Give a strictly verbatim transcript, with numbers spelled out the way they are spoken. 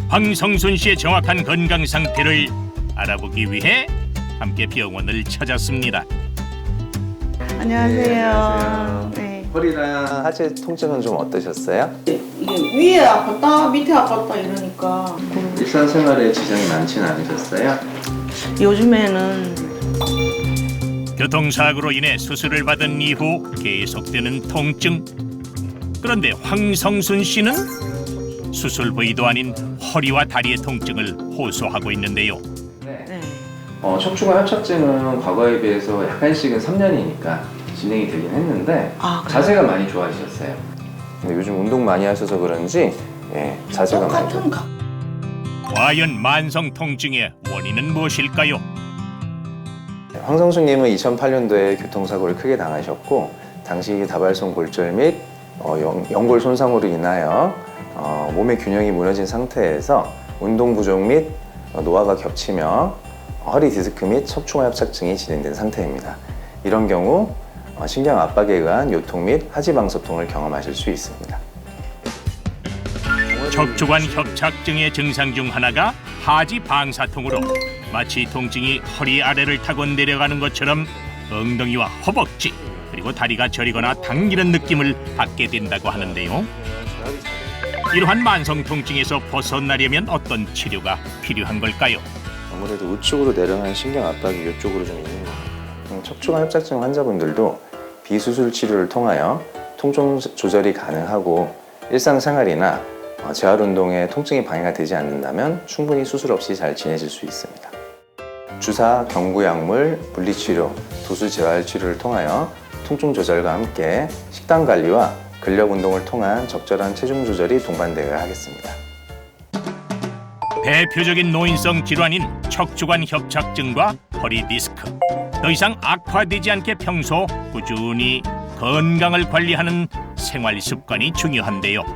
황성순 씨의 정확한 건강 상태를 알아보기 위해 함께 병원을 찾았습니다. 안녕하세요. 네, 안녕하세요. 네. 허리랑 하체 통증은 좀 어떠셨어요? 이게 위에 아팠다 밑에 아팠다 이러니까 일상생활에 지장이 많지는 않으셨어요? 요즘에는 교통사고로 인해 수술을 받은 이후 계속되는 통증. 그런데 황성순 씨는 수술 부위도 아닌 허리와 다리의 통증을 호소하고 있는데요. 네. 네. 어, 척추관 협착증은 과거에 비해서 약간씩은 삼 년이니까 진행이 되긴 했는데 아, 그래요? 자세가 많이 좋아지셨어요. 근데 요즘 운동 많이 하셔서 그런지 예, 자세가 많이 똑같은 각. 과연 만성 통증의 원인은 무엇일까요? 황성수님은 이천팔 년도에 교통사고를 크게 당하셨고 당시 다발성 골절 및 어, 연, 연골 손상으로 인하여 어, 몸의 균형이 무너진 상태에서 운동 부족 및 어, 노화가 겹치며 허리 디스크 및 척추관 협착증이 진행된 상태입니다. 이런 경우 어, 신경 압박에 의한 요통 및 하지방소통을 경험하실 수 있습니다. 척추관 협착증의 증상 중 하나가 하지방사통으로 마치 통증이 허리 아래를 타고 내려가는 것처럼 엉덩이와 허벅지 그리고 다리가 저리거나 당기는 느낌을 받게 된다고 하는데요. 이러한 만성 통증에서 벗어나려면 어떤 치료가 필요한 걸까요? 아무래도 우측으로 내려가는 신경 압박이 이쪽으로 좀 있는 것 같아요. 척추관 협착증 환자분들도 비수술 치료를 통하여 통증 조절이 가능하고 일상생활이나 재활운동에 통증이 방해가 되지 않는다면 충분히 수술 없이 잘 지내실 수 있습니다. 주사, 경구약물, 물리치료, 도수 재활 치료를 통하여 통증 조절과 함께 식단 관리와 근력 운동을 통한 적절한 체중 조절이 동반되어야 하겠습니다. 대표적인 노인성 질환인 척추관 협착증과 허리 디스크. 더 이상 악화되지 않게 평소 꾸준히 건강을 관리하는 생활 습관이 중요한데요.